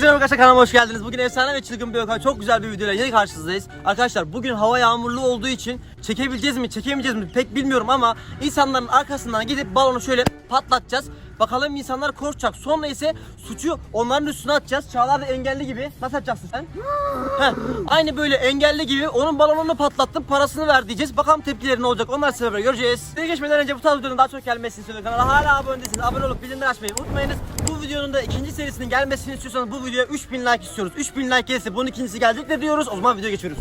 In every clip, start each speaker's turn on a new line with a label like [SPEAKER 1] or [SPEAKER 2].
[SPEAKER 1] Herkese merhaba arkadaşlar, kanalıma hoş geldiniz. Bugün efsane ve çılgın bir Gökhan, çok güzel bir videoyla yine karşınızdayız. Arkadaşlar bugün hava yağmurlu olduğu için çekebileceğiz mi çekemeyeceğiz mi pek bilmiyorum ama insanların arkasından gidip balonu şöyle patlatacağız. Bakalım insanlar korkacak. Sonra ise suçu onların üstüne atacağız. Çağlar da engelli gibi. Nasıl yapacaksın sen? Aynı böyle engelli gibi onun balonunu patlattım, parasını ver diyeceğiz. Bakalım tepkileri ne olacak, onlar sizlerle göreceğiz. Size geçmeden önce bu tarz videonun daha çok gelmesini istiyorum. Kanala hala abone değilseniz abone olup bildirimleri açmayı unutmayınız. Bu videonun da ikinci serisinin gelmesini istiyorsanız bu videoya 3000 like istiyoruz. 3000 like gelirse bunun ikincisi gelecek de diyoruz. O zaman videoya geçiyoruz.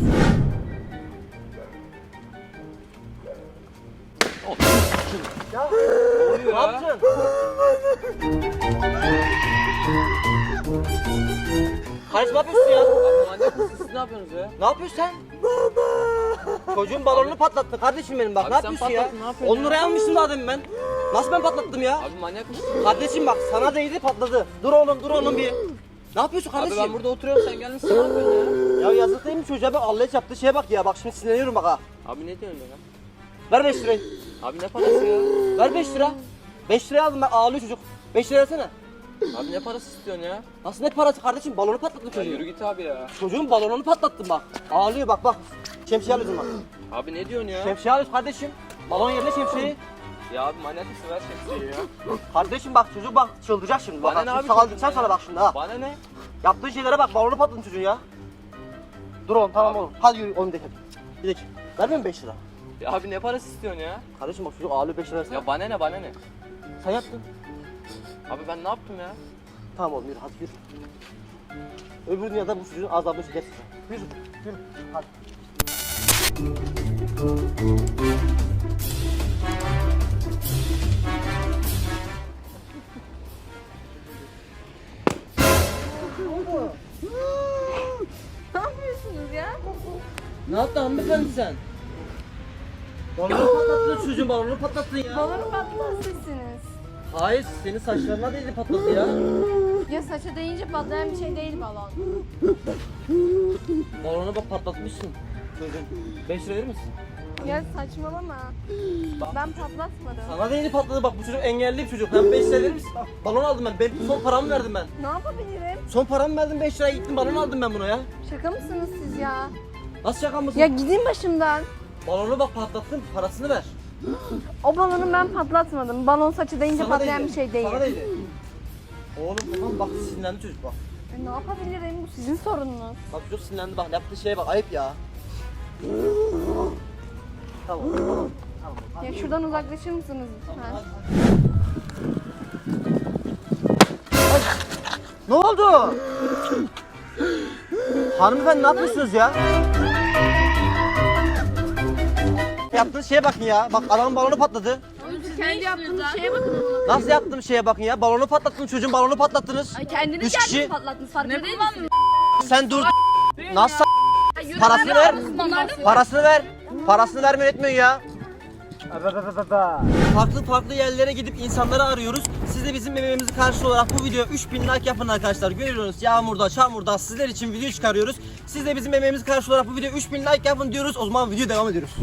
[SPEAKER 1] Ya ne yapacaksın? Kardeşim ne yapıyorsun ya?
[SPEAKER 2] Manyak mısın siz, ne yapıyorsunuz ya?
[SPEAKER 1] Ne yapıyorsun sen? Çocuğun balonunu patlattı kardeşim benim bak.
[SPEAKER 2] Abi
[SPEAKER 1] Ne
[SPEAKER 2] sen
[SPEAKER 1] yapıyorsun ya?
[SPEAKER 2] patlattın, ne yapıyorsun
[SPEAKER 1] 10
[SPEAKER 2] ya?
[SPEAKER 1] liraya almıştım daha demin ben. Nasıl ben patlattım ya?
[SPEAKER 2] Abi manyak mısın?
[SPEAKER 1] Kardeşim bak sana değdi patladı. Dur oğlum bir. Ne yapıyorsun kardeşim?
[SPEAKER 2] Abi ben burada oturuyorum, sen gelmişsin, ne yapıyorsun ya?
[SPEAKER 1] Ya yazık değil mi çocuğa, bak Allah yaptığı şeye bak ya. Bak şimdi sinirleniyorum bak ha.
[SPEAKER 2] Abi ne diyorsun ya?
[SPEAKER 1] Ver 5 lirayı.
[SPEAKER 2] Abi ne parası ya?
[SPEAKER 1] Ver 5 lira. 5 liraya aldım ben, ağlıyor çocuk. 5 lira versene.
[SPEAKER 2] Abi ne parası istiyorsun ya?
[SPEAKER 1] Nasıl ne parası kardeşim, balonu patlattım
[SPEAKER 2] Ya
[SPEAKER 1] çocuğu.
[SPEAKER 2] yürü git abi ya.
[SPEAKER 1] Çocuğun balonunu patlattım bak. Ağlıyor bak. Şemsiye alıyorsun bak.
[SPEAKER 2] Abi ne diyorsun ya?
[SPEAKER 1] Şemsiye alıyorsun kardeşim. Balon yerine şemsiyeyi.
[SPEAKER 2] Ya abi manyak mısın, ver şemsiyeyi ya.
[SPEAKER 1] Kardeşim bak çocuk bak çıldıracak şimdi.
[SPEAKER 2] Bana
[SPEAKER 1] Bak
[SPEAKER 2] ne
[SPEAKER 1] şimdi
[SPEAKER 2] abi
[SPEAKER 1] sağlayacağım
[SPEAKER 2] çocuğun
[SPEAKER 1] sana
[SPEAKER 2] ya?
[SPEAKER 1] bak şimdi ha.
[SPEAKER 2] Bana ne?
[SPEAKER 1] Yaptığın şeylere bak, balonu patladın çocuğun ya. Dur oğlum tamam oğlum. Hadi yürü oğlum gidelim. Gidelim. Vermiyor musun 5 lira?
[SPEAKER 2] Ya abi ne parası istiyorsun ya?
[SPEAKER 1] Kardeşim bak çocuk ağlıyor, 5 lira versene.
[SPEAKER 2] Ya bana ne?
[SPEAKER 1] Sen yaptın.
[SPEAKER 2] Abi ben ne yaptım ya?
[SPEAKER 1] Tamam oğlum yürü hadi yürü. Öbür dünyada bu çocuğun azabını çekersin. Yürü. Hadi.
[SPEAKER 3] Ne yapıyorsunuz ya?
[SPEAKER 1] Ne yaptın hanımefendi sen? Balonu patlattın, çocuğun balonu patlattın ya.
[SPEAKER 3] Balonu patlatan sizsiniz.
[SPEAKER 1] Hayır, senin saçlarına değdi patladı ya.
[SPEAKER 3] Ya saça değince patlayan bir şey değil balon.
[SPEAKER 1] Balonu bak patlatmışsın. Çocuğun 5 lira verir misin?
[SPEAKER 3] Ya saçmalama. Ben patlatmadım.
[SPEAKER 1] Sana değdi patladı bak, bu çocuk engelli bir çocuk. Ben 5 lira verir misin? Bak, balon aldım ben. Benim son paramı verdim ben.
[SPEAKER 3] Ne yapabilirim?
[SPEAKER 1] Son paramı verdim, 5 liraya gittim balon aldım ben buna ya.
[SPEAKER 3] Şaka mısınız siz ya?
[SPEAKER 1] Nasıl şaka mısın?
[SPEAKER 3] Ya gidin başımdan.
[SPEAKER 1] Balonu bak patlattın, parasını ver.
[SPEAKER 3] O balonu ben patlatmadım. Balon saçı değince
[SPEAKER 1] Sana
[SPEAKER 3] patlayan
[SPEAKER 1] değdi,
[SPEAKER 3] bir şey değil.
[SPEAKER 1] Sana değdi. Oğlum tamam bak, sinirlendi çocuk bak.
[SPEAKER 3] Ne yapabilirim? Bu sizin sorununuz.
[SPEAKER 1] Bak çocuk sinirlendi bak, yaptığı şeye bak, ayıp ya. Tamam.
[SPEAKER 3] Ya şuradan uzaklaşır mısınız lütfen?
[SPEAKER 1] Ne oldu? Hanımefendi ne yapıyorsunuz ya? Yaptığınız şeye bakın ya. Bak adamın balonu patladı.
[SPEAKER 4] Kendi yaptığınız şeye bakın.
[SPEAKER 1] Nasıl yaptığım şeye bakın ya. Balonu patlattınız, çocuğun balonu patlattınız.
[SPEAKER 4] Ay kendiniz
[SPEAKER 1] Üç kişi.
[SPEAKER 4] kendiniz patlattınız. Farkında değil misiniz?
[SPEAKER 1] Sen dur. Nasıl parasını ver. Parasını ver. Parasını vermeyi etmiyorsun ya. Farklı yerlere gidip insanları arıyoruz. Siz de bizim emeğimizi karşı olarak bu videoya 3000 like yapın arkadaşlar. Görüyorsunuz yağmurda, çamurda sizler için video çıkarıyoruz. Siz de bizim emeğimizi karşı olarak bu videoya 3000 like yapın diyoruz. O zaman video devam ediyoruz.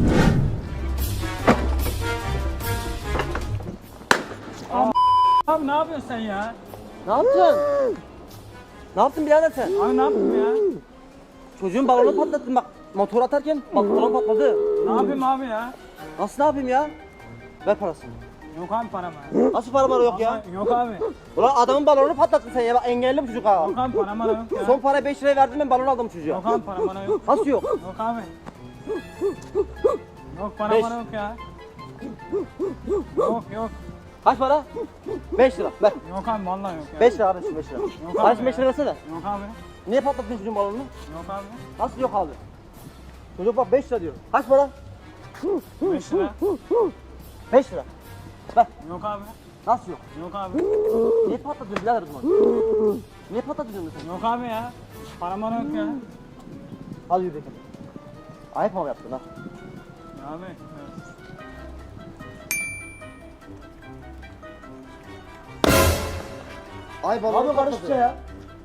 [SPEAKER 5] Abi ne yapıyorsun sen ya?
[SPEAKER 1] Ne yaptın? Ne yaptın birader sen?
[SPEAKER 5] Abi ne yaptın ya?
[SPEAKER 1] Çocuğun balonu patlattın bak. Motor atarken balon patladı.
[SPEAKER 5] Ne yapayım abi ya?
[SPEAKER 1] Nasıl ne yapayım ya? Ver parasını.
[SPEAKER 5] Yok abi param
[SPEAKER 1] Nasıl para bana yok ya?
[SPEAKER 5] Yok abi.
[SPEAKER 1] Ulan adamın balonunu patlattın sen ya. Bak engelli bu çocuk ha.
[SPEAKER 5] Yok abi param yok ya.
[SPEAKER 1] Son para 5 liraya verdim, ben balon aldım çocuğa.
[SPEAKER 5] Yok abi param yok.
[SPEAKER 1] Nasıl yok?
[SPEAKER 5] Yok abi. Yok param
[SPEAKER 1] Beş.
[SPEAKER 5] yok ya. Yok.
[SPEAKER 1] Kaç para? 5 lira. Ver.
[SPEAKER 5] Yok abi vallahi yok ya.
[SPEAKER 1] 5 lira kardeşim, 5 lira.
[SPEAKER 5] abi
[SPEAKER 1] Kardeşim 5
[SPEAKER 5] ya.
[SPEAKER 1] lira versene.
[SPEAKER 5] Yok abi.
[SPEAKER 1] Niye patlattın çocuğun balonunu?
[SPEAKER 5] Yok abi.
[SPEAKER 1] Nasıl yok abi? Çocuk bak 5 lira diyor. Kaç para?
[SPEAKER 5] 5 lira.
[SPEAKER 1] 5 lira. Ver.
[SPEAKER 5] Yok abi.
[SPEAKER 1] Nasıl yok?
[SPEAKER 5] Yok abi.
[SPEAKER 1] Niye patladın birader o zaman? Niye patladın sen?
[SPEAKER 5] Yok abi ya. Param yok ya.
[SPEAKER 1] Al yürü bakalım. Ayıp mı yaptın ha?
[SPEAKER 5] Ya abi.
[SPEAKER 1] Ay balonu patladı. Ya.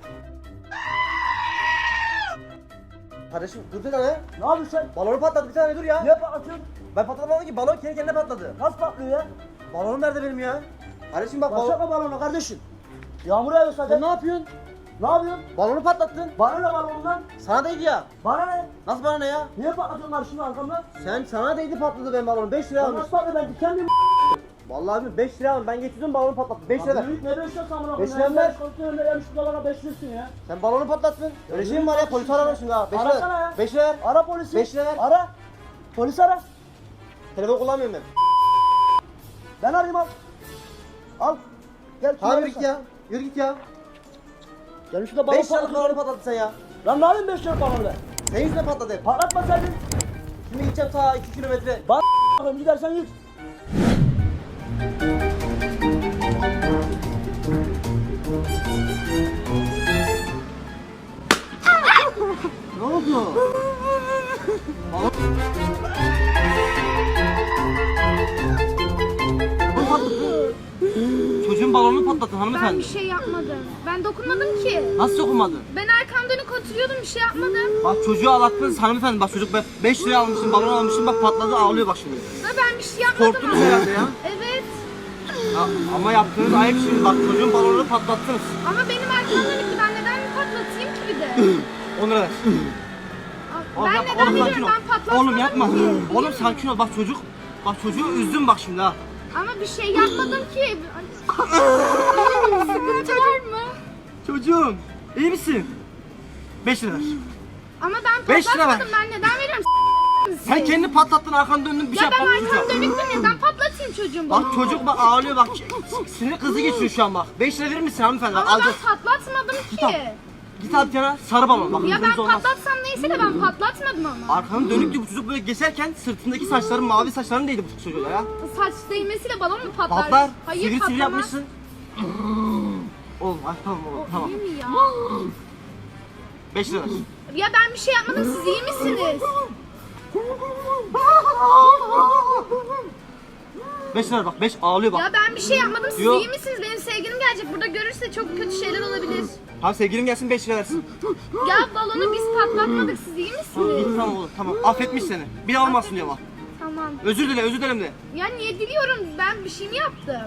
[SPEAKER 1] Kardeşim dur bir tane. Ne yapıyorsun sen? Balonu patladı bir tane, dur ya. Niye patlatıyorsun? Ben patlatmadım ki, balon kendi kendine patladı. Nasıl patlıyor ya? Balonum nerede benim ya? Kardeşim bak balon.
[SPEAKER 6] Başlatma balonu kardeşim. Yağmur yağıyor
[SPEAKER 1] Sen
[SPEAKER 6] zaten.
[SPEAKER 1] ne yapıyorsun? Ne yapıyorsun? Balonu patlattın. Bana ne balonundan? Sana değdi ya. Bana ne? Nasıl bana ne ya?
[SPEAKER 6] Niye patlatıyorlar şimdi arkamdan?
[SPEAKER 1] Sana değdi patladı benim balonum. 5 lira almış.
[SPEAKER 6] Nasıl patladı ben dikenliyim.
[SPEAKER 1] Vallahi abi 5 lira almış. Ben getirdim balonu patlattı. 5 lira ver.
[SPEAKER 6] Büyük ne 5 lira samına
[SPEAKER 1] Beş
[SPEAKER 6] koyayım.
[SPEAKER 1] lira ver.
[SPEAKER 6] Kontrolünde gelmiş dolara 5 lirasın ya.
[SPEAKER 1] Sen balonu patlattın. Öyle şey mi var ya? Polis aramışsın ha. 5 lira
[SPEAKER 6] Arasana
[SPEAKER 1] ver.
[SPEAKER 6] ya.
[SPEAKER 1] 5 lira ver.
[SPEAKER 6] Ara polisi.
[SPEAKER 1] 5 lira ver.
[SPEAKER 6] Ara. Polis ara.
[SPEAKER 1] Telefon kullanmıyorum ben.
[SPEAKER 6] Ben arayayım al. Al. Gel.
[SPEAKER 1] Abi git ya. Yürü git ya.
[SPEAKER 6] Gel şurada balon
[SPEAKER 1] 5 liralık balonu
[SPEAKER 6] patlatıyor.
[SPEAKER 1] patlattın sen ya.
[SPEAKER 6] Lan ne yapayım 5 lira balonu be?
[SPEAKER 1] Senin yüzünden patladı hep.
[SPEAKER 6] Patlatmasaydın.
[SPEAKER 1] Şimdi gideceğim ta 2 kilometre.
[SPEAKER 6] Bak bakayım gidersen git.
[SPEAKER 1] Ne oldu? Çocuğun balonunu patlattın
[SPEAKER 4] Ben
[SPEAKER 1] hanımefendi.
[SPEAKER 4] bir şey yapmadım. Ben dokunmadım ki.
[SPEAKER 1] Nasıl dokunmadın?
[SPEAKER 4] Ben arkam dönük oturuyordum, bir şey yapmadım.
[SPEAKER 1] Bak çocuğu ağlattınız hanımefendi. Bak çocuk 5 liraya almışsın, balon almışsın, bak patladı, ağlıyor bak şimdi.
[SPEAKER 4] Da ben bir şey yapmadım.
[SPEAKER 1] Korktunuz herhalde ya.
[SPEAKER 4] Evet.
[SPEAKER 1] Ama yaptığınız ayıp şimdi. Bak çocuğun balonunu patlattınız.
[SPEAKER 4] Ama benim arkam dönüktü. Ben neden mi patlatayım ki bir de?
[SPEAKER 1] 10 lira ver. Oğlum
[SPEAKER 4] Ben
[SPEAKER 1] yapma,
[SPEAKER 4] neden
[SPEAKER 1] oğlum sakin
[SPEAKER 4] veriyorum?
[SPEAKER 1] ol.
[SPEAKER 4] Ben patlatmadım
[SPEAKER 1] Oğlum yapma.
[SPEAKER 4] ki.
[SPEAKER 1] Oğlum sakin ol. Bak çocuğu üzdün bak şimdi ha.
[SPEAKER 4] Ama bir şey yapmadım ki. Sıkıntı var mı?
[SPEAKER 1] Çocuğum iyi misin? 5 lira ver.
[SPEAKER 4] Ama ben
[SPEAKER 1] 5 lira
[SPEAKER 4] patlatmadım. Ben neden veriyorum?
[SPEAKER 1] Sen kendi patlattın, arkanı döndün, bir şey
[SPEAKER 4] Ya ben
[SPEAKER 1] yapmadın.
[SPEAKER 4] arkam dönüktü, neden patlatayım çocuğun
[SPEAKER 1] Bak
[SPEAKER 4] balonunu?
[SPEAKER 1] çocuk bak ağlıyor bak. Sinir kızı geçiyor şu an bak. 5 lira verir misin hanımefendi?
[SPEAKER 4] Ama
[SPEAKER 1] Alacağız.
[SPEAKER 4] ben patlatmadım
[SPEAKER 1] Tamam.
[SPEAKER 4] ki.
[SPEAKER 1] Git al yana sarı balon bak.
[SPEAKER 4] Ya ben
[SPEAKER 1] kırmızı olmaz.
[SPEAKER 4] patlatsam neyse de ben patlatmadım ama.
[SPEAKER 1] Arkanı dönüktü bu çocuk böyle geçerken sırtındaki saçların mavi saçların değdi bu çocuğa ya.
[SPEAKER 4] Saç değmesiyle balon mu patlar?
[SPEAKER 1] Patlar.
[SPEAKER 4] Hayır
[SPEAKER 1] Sivri
[SPEAKER 4] patlamaz.
[SPEAKER 1] yapmışsın. Oğlum ay tamam oğlum tamam.
[SPEAKER 4] İyi mi ya?
[SPEAKER 1] 5 lira ver.
[SPEAKER 4] Ya ben bir şey yapmadım, siz iyi misiniz?
[SPEAKER 1] 5 lira bak 5 ağlıyor bak.
[SPEAKER 4] Ya ben bir şey yapmadım, siz
[SPEAKER 1] Yok.
[SPEAKER 4] iyi misiniz? Benim sevgilim gelecek, burada görürse çok kötü şeyler olabilir.
[SPEAKER 1] Tamam sevgilim gelsin 5 lira versin.
[SPEAKER 4] Ya balonu biz patlatmadık, siz iyi
[SPEAKER 1] Tamam,
[SPEAKER 4] misiniz?
[SPEAKER 1] git tamam oğlum tamam. Affetmiş seni. Bir daha olmasın diyor bak.
[SPEAKER 4] Tamam.
[SPEAKER 1] Özür dilerim de.
[SPEAKER 4] Ya niye diliyorum? Ben bir şey mi yaptım?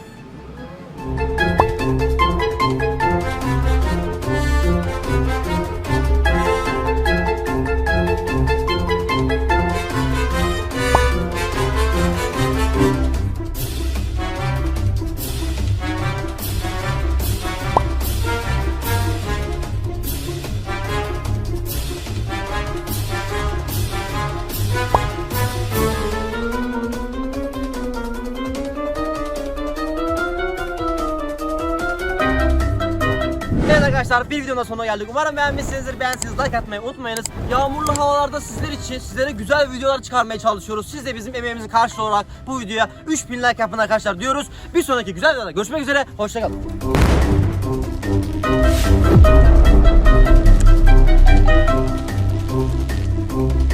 [SPEAKER 1] Evet arkadaşlar bir videonun sonuna geldik. Umarım beğenmişsinizdir. Beğendiyseniz like atmayı unutmayınız. Yağmurlu havalarda sizler için sizlere güzel videolar çıkarmaya çalışıyoruz. Siz de bizim emeğimizin karşılığı olarak bu videoya 3000 like yapın arkadaşlar diyoruz. Bir sonraki güzel videoda görüşmek üzere. Hoşçakalın.